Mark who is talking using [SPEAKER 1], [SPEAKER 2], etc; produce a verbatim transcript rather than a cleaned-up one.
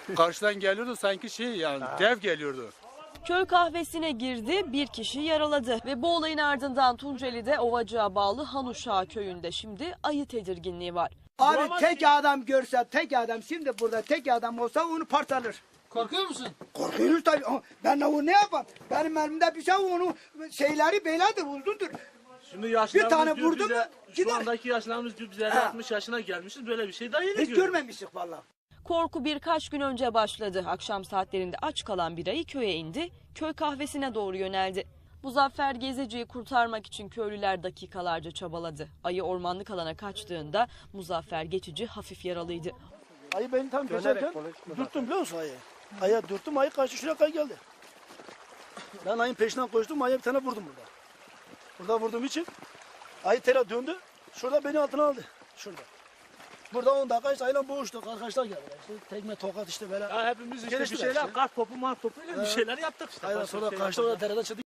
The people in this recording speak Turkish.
[SPEAKER 1] Karşıdan geliyordu sanki şey yani dev geliyordu.
[SPEAKER 2] Köy kahvesine girdi, bir kişi yaraladı ve bu olayın ardından Tunceli'de Ovacık'a bağlı Hanuşağı köyünde şimdi ayı tedirginliği var.
[SPEAKER 3] Abi tek adam görse, tek adam şimdi burada tek adam olsa onu parçalar.
[SPEAKER 4] Korkuyor musun?
[SPEAKER 3] Korkuyoruz tabii. Ben onu ne yapayım? Benim elimde bir şey onu şeyleri beylerdir, uzundur.
[SPEAKER 5] Şimdi yaşlarımız
[SPEAKER 3] Bir tane
[SPEAKER 5] diyor
[SPEAKER 3] vurdu mu
[SPEAKER 5] bize,
[SPEAKER 3] gider.
[SPEAKER 5] şu andaki yaşlarımız diyor biz elli altmış yaşına gelmişiz, böyle bir şey daha yeni
[SPEAKER 3] Hiç
[SPEAKER 5] görüyoruz.
[SPEAKER 3] görmemiştik vallahi.
[SPEAKER 2] Korku birkaç gün önce başladı. Akşam saatlerinde aç kalan bir ayı köye indi, köy kahvesine doğru yöneldi. Muzaffer Gezici'yi kurtarmak için köylüler dakikalarca çabaladı. Ayı ormanlık alana kaçtığında Muzaffer Geçici hafif yaralıydı.
[SPEAKER 6] Ayı beni tam geçerken dürttüm biliyor musun ayı? Ayı dürttüm, ayı kaçtı şuraya kadar geldi. Ben ayın peşinden koştum, ayıya bir tane vurdum burada. Burada vurduğum için ayı tela döndü, şurada beni altına aldı. Şurada. Burada on dakika işte ayıyla boğuştuk, arkadaşlar geldiler. İşte tekme tokat işte böyle.
[SPEAKER 5] Ya hepimiz işte bir
[SPEAKER 6] Geliştiler
[SPEAKER 5] şeyler,
[SPEAKER 6] işte.
[SPEAKER 5] kart topu, mart topu ile bir şeyler yaptık işte.
[SPEAKER 6] Aynen
[SPEAKER 5] Başka
[SPEAKER 6] sonra
[SPEAKER 5] bir şey
[SPEAKER 6] kaçtı
[SPEAKER 5] yapmadık.
[SPEAKER 6] orada dereden çıktı.